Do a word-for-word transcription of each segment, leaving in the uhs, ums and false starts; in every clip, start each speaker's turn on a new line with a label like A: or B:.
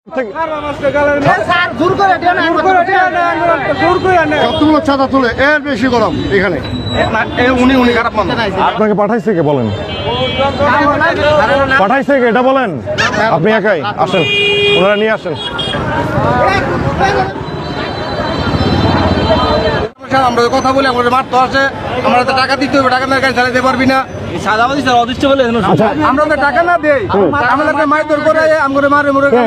A: কতগুলো চাঁদা তুলে এর বেশি গরম এখানে উনি উনি খারাপ মানুষ।
B: আপনাকে পাঠাইছে কে বলেন? পাঠাইছে কে এটা বলেন? আপনি একাই আসেন, ওনারা নিয়ে আসেন।
A: আমরা কথা বলি আমাদের মারতে আসে, আমরা তো টাকা দিতে হবে, টাকা না গাড়ি চালাতে পারবি না। আমরা তো টাকা না দেই, আমাদেরকে মারধর করে আমাদের মারে মরে করে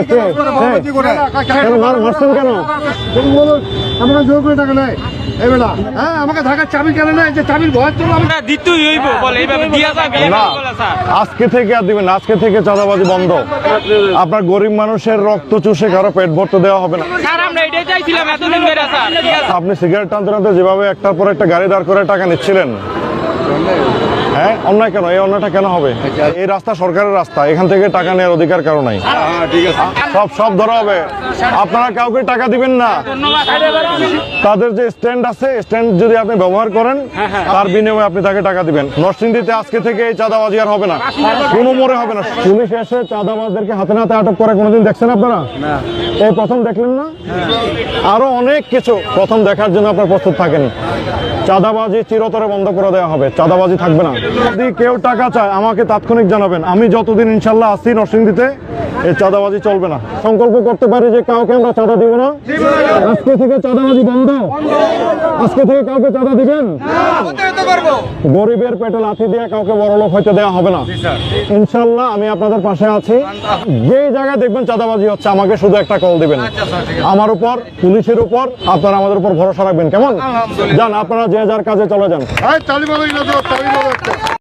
B: মারছেন কেন?
A: আমরা জোর করে টাকা নেই এবেলা। হ্যাঁ আমাকে ঢাকার চাবি কেন নেই, যে চাবির ভয় তো
C: দিতেই হইব বলে এইভাবে দিয়া যাবে
B: না, আজকে থেকে আর দিবেন, আজকে থেকে চাঁদাবাজি বন্ধ। আপনার গরিব মানুষের রক্ত চুষে কারো পেট ভরতে দেওয়া হবে না।
C: স্যার আমরা এটাই চাইছিলাম এতদিন ধরে স্যার।
B: আপনি সিগারেট টানতে টানতে যেভাবে একটার পর একটা গাড়ি দাঁড় করে টাকা নিচ্ছিলেন, হ্যাঁ অন্যায় কেন? এই অন্যায়টা কেন হবে? এই রাস্তা সরকারের রাস্তা, এখান থেকে টাকা নেওয়ার অধিকার কারো নাই। সব সব ধরা হবে। আপনারা কাউকে টাকা দিবেন না। তাদের যে স্ট্যান্ড আছে, স্ট্যান্ড যদি আপনি ব্যবহার করেন তার বিনিময়ে আপনি তাকে টাকা দিবেন। নরসিংদীতে আজকে থেকে এই চাঁদাবাজি আর হবে না, কোনো মোড়ে হবে না। পুলিশ এসে চাঁদাবাজদেরকে হাতে নাতে আটক করে কোনোদিন দেখছেন আপনারা? এই প্রথম দেখলেন না? আরো অনেক কিছু প্রথম দেখার জন্য আপনার প্রস্তুত থাকেন। চাঁদাবাজি চিরতরে বন্ধ করে দেওয়া হবে, চাঁদাবাজি থাকবে না। যদি কেউ টাকা চায় আমাকে তাৎক্ষণিক জানাবেন, আমি যতদিন ইনশাল্লাহ আসি নরসিংদীতে এই চাঁদাবাজি চলবে না। সংকল্প করতে পারি যে কাউকে আমরা চাঁদা দিব না। আজকে থেকে চাঁদাবাজি বন্ধ। আজকে থেকে কাউকে চাঁদা দিবেন? গরিবের পেটে লাথি দিয়ে কাউকে বড়লোক হইতে দেওয়া হবে না ইনশাল্লাহ। আমি আপনাদের পাশে আছি। যে জায়গায় দেখবেন চাঁদাবাজি হচ্ছে আমাকে শুধু একটা কল দিবেন। আমার উপর, পুলিশের উপর আপনারা আমাদের উপর ভরসা রাখবেন, কেমন? যান আপনারা যে যার কাজে চলে যান।